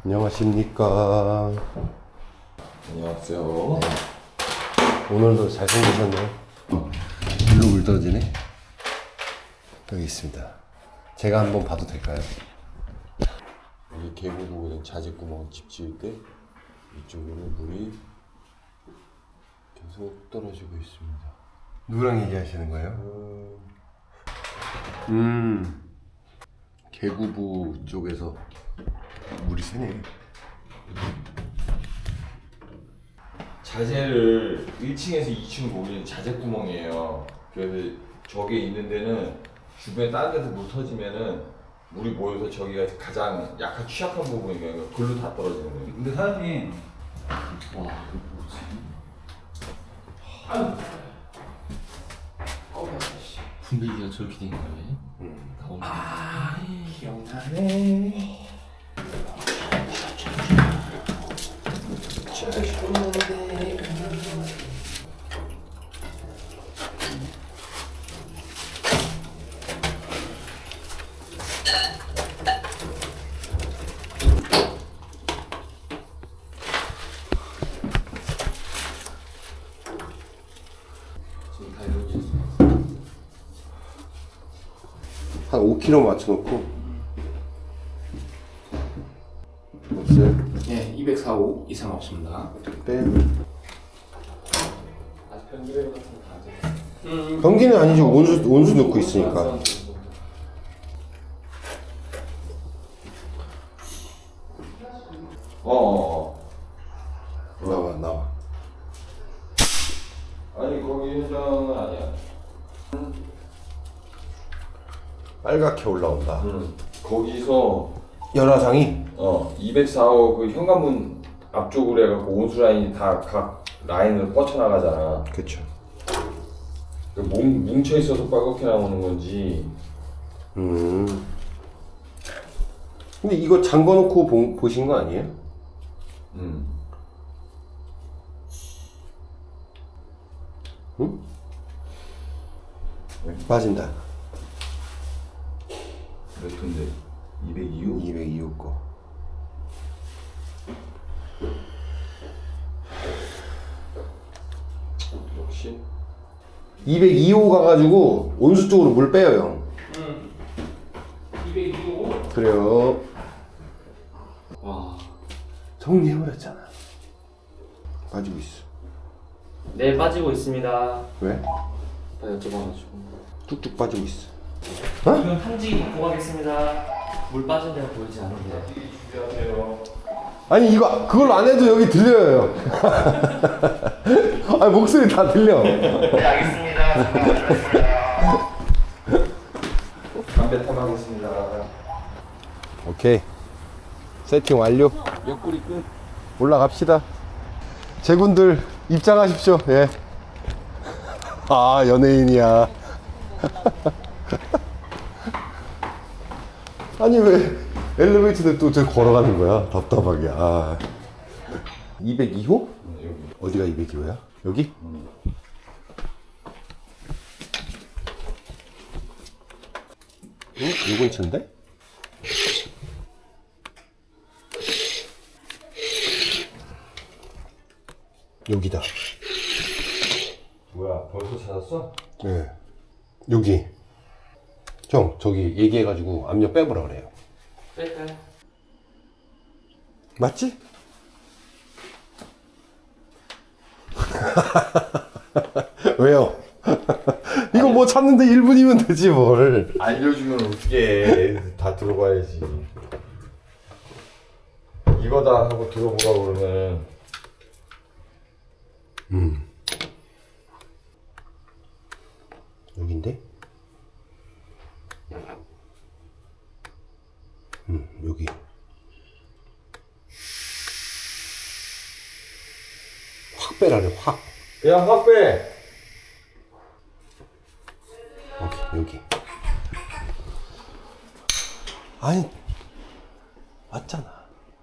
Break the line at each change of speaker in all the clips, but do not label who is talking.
안녕하십니까.
안녕하세요.
오늘도 잘생기셨네요. 일로 물 떨어지네. 여기 있습니다. 제가 한번 봐도 될까요?
여기 계곡 보면 자재구멍 집 지을 때 이쪽으로 물이 계속 떨어지고 있습니다.
누구랑 얘기하시는 거예요? 계구부 쪽에서 물이 새네.
자재를 1층에서 2층 보면 자재구멍이에요. 그래서 저게 있는 데는 주변에 다른 데서 물 터지면은 물이 모여서 저기가 가장 약한 취약한 부분이니까 글로 다 떨어지는 거예요.
근데 사장님,
와, 이거 뭐지?
분위기가 저렇게 된 거예요?
기억나네.
지금 다 이루어졌어요.
한 5kg 맞춰놓고. 없어요?
네, 245 이상 없습니다.
빼.
아직 편집해서 같은 거 다.
변기는 아니지. 온수 넣고 있으니까. 나와.
아니 거기 현장은 아니야.
빨갛게 올라온다.
거기서
열화상이?
204호 그 현관문 앞쪽으로 해갖고 온수 라인이 다 각 라인으로 뻗쳐나가잖아.
그쵸.
뭉쳐 있어서 빨갛게 나오는 건지.
근데 이거 잠궈놓고 보신 거 아니에요? 응? 빠진다.
몇 톤데? 202호?
202호 거.
역시
202호 가가지고 온수 쪽으로 물 빼요, 형.
225?
그래요.
와.
정리해버렸잖아. 빠지고 있어.
네, 빠지고 있습니다.
왜?
나 여쭤봐가지고.
뚝뚝 빠지고 있어.
그럼 편지 받고 가겠습니다. 물 빠진 데가 보이지 않은데.
준비하세요.
아니 이거 그걸 안 해도 여기 들려요. 아니 목소리 다 들려.
네, 알겠습니다.
담배 탐하겠습니다.
오케이. 세팅 완료.
옆구리 끝.
올라갑시다. 제군들 입장하십시오. 예. 아 연예인이야. 아니 왜 엘리베이터인데 또 저기 걸어가는 거야? 답답하게. 아. 202호?
여기.
어디가 202호야? 여기? 응? 요 근처인데? 여기다.
뭐야? 벌써 찾았어?
네. 여기. 형, 저기 얘기해가지고 압력 빼보라 그래요.
뺄까요?
맞지? 왜요? 이거 뭐 찾는데 1분이면 되지 뭘.
알려주면 어떻게 다 들어봐야지. 이거다 하고 들어보라 그러면.
여긴데? 여기. 확 빼라래, 확.
그냥 확 빼.
오케이, 여기. 아니, 맞잖아.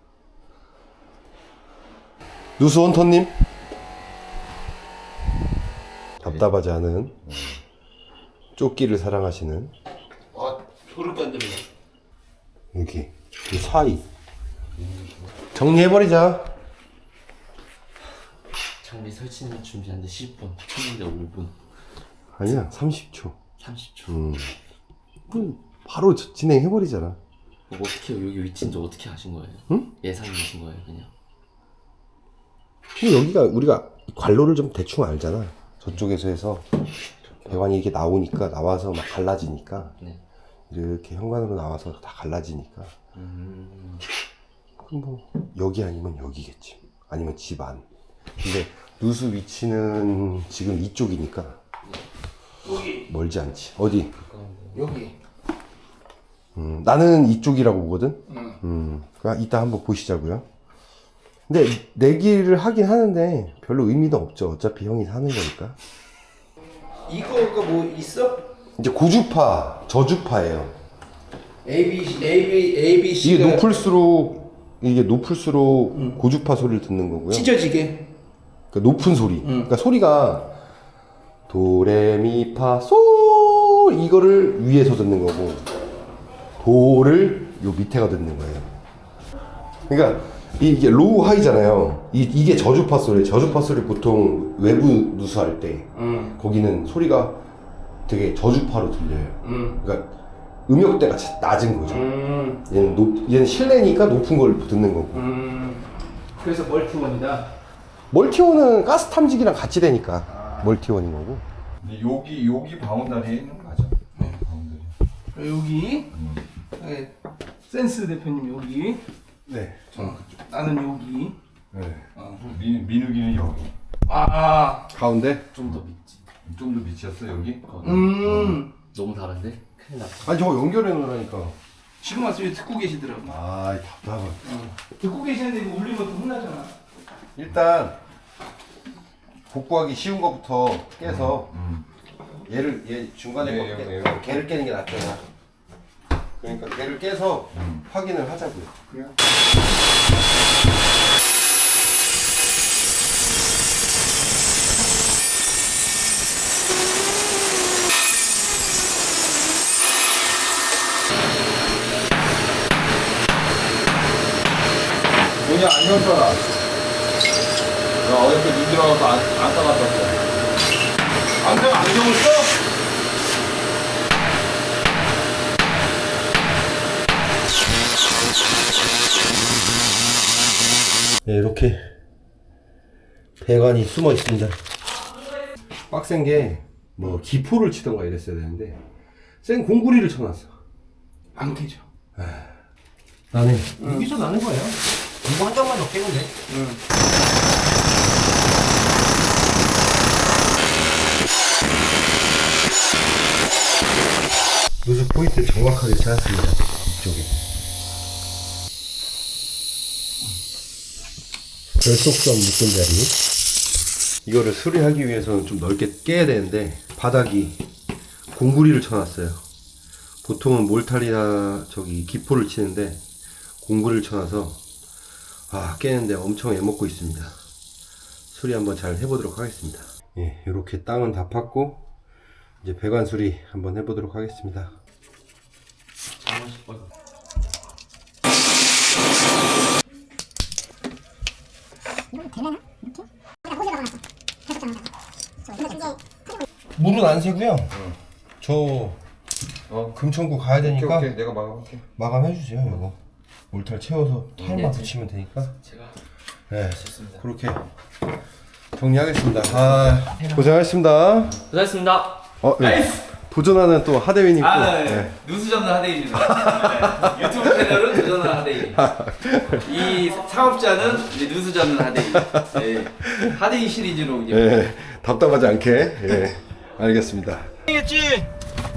누수원터님? 답답하지 않은 쫓기를 사랑하시는
아, 소름 깐들어.
여기 이 사이 정리해버리자.
장비 설치는 준비하는데 10분, 했는데 5분,
아니야, 30초.
30초.
그럼 바로 진행해버리잖아.
어떻게 여기 위치인지 어떻게 아신 거예요?
응?
예상이신 거예요, 그냥?
근데 여기가 우리가 관로를 좀 대충 알잖아. 저쪽에서 해서 배관이 이렇게 나와서 막 갈라지니까
네.
이렇게 현관으로 나와서 다 갈라지니까 그럼 뭐 여기 아니면 여기겠지. 아니면 집 안. 근데 누수 위치는 지금 이쪽이니까
여기.
멀지 않지. 어디?
여기.
나는 이쪽이라고 보거든. 그러니까 이따 한번 보시자고요. 근데 내기를 하긴 하는데 별로 의미도 없죠. 어차피 형이 사는 거니까.
이거가 뭐 있어?
이제 고주파, 저주파예요.
ABC가
이게 높을수록 고주파 소리를 듣는 거고요.
찢어지게.
그러니까 높은 소리. 그러니까 소리가 도레미파솔 이거를 위에서 듣는 거고 도를 요 밑에가 듣는 거예요. 그러니까 이게 로우 하이잖아요. 이게 저주파 소리. 저주파 소리 보통 외부 누수할 때 거기는 소리가 되게 저주파로 들려요. 그러니까 음역대가 낮은 거죠. 얘는 실내니까 높은 걸 듣는 거고.
그래서 멀티원이다.
멀티원은 가스 탐지기랑 같이 되니까 멀티원인 거고.
근데 여기 바운다리에 있는 거 맞아. 네, 바운다리.
여기 네, 센스 대표님 여기.
네.
나는 여기.
네.
민욱이는 여기.
아.
가운데?
좀 더 믿지.
좀 더 밑이었어 여기?
너무 다른데? 큰일 났다.
아니 저거 연결해 놓으라니까.
지금 와서 듣고 계시더라고.
아 답답하.
듣고 계시는데 이거 울리면 또 혼나잖아.
일단 복구하기 쉬운 거부터 깨서 얘 중간에
네,
걔를 깨는 게 낫잖아. 그러니까 걔를 깨서 확인을 하자고요.
그래요? 뭐냐 안녕 써라. 나 어저께 눈 들어가서 안 따갔다 왔어. 안경을 써?
네, 이렇게 배관이 숨어 있습니다. 빡센 게 뭐 기포를 치던가 이랬어야 되는데 센 공구리를 쳐놨어.
안 깨져.
나는 여기서 나는 거예요. 이거 한 장만 더 깨면 돼. 누수 포인트 정확하게 찾았습니다. 이쪽에. 결속선 묶은 자리. 이거를 수리하기 위해서는 좀 넓게 깨야 되는데 바닥이 공구리를 쳐놨어요. 보통은 몰탈이나 기포를 치는데 공구리를 쳐놔서 깨는데 엄청 애먹고 있습니다. 수리 한번 잘 해보도록 하겠습니다. 예, 이렇게 땅은 다 팠고 이제 배관 수리 한번 해보도록 하겠습니다. 물은 안 새고요. 저 금천구 가야 되니까
오케이. 내가 막아볼게.
마감해 주세요. 이거 몰탈 채워서 타일만 붙이면 되니까.
제가
네,
좋습니다.
그렇게 정리하겠습니다. 고생하셨습니다.
고생했습니다.
네. 도전하는 또 하대윈 있고. 네.
누수 전문 하대입니다. 네. 유튜브 채널은 도전하는 하대이. 이 사업자는 이제 누수 전문 하대이. 네. 하대이 시리즈로 이제.
네, 답답하지 않게. 예, 알겠습니다.
겠지.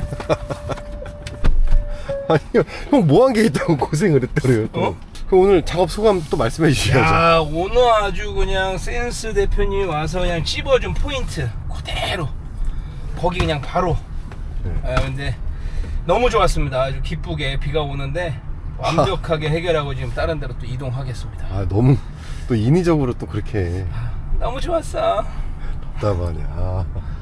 아니요, 형 뭐 한 게 있다고 고생을 했더래요. 또. 그럼 오늘 작업 소감 또 말씀해 주셔야죠.
야, 오늘 아주 그냥 센스 대표님 와서 그냥 찝어준 포인트 그대로 거기 그냥 바로. 근데 너무 좋았습니다. 아주 기쁘게 비가 오는데 완벽하게 해결하고 지금 다른 데로 또 이동하겠습니다.
너무 또 인위적으로 또 그렇게
너무 좋았어.
답답하네.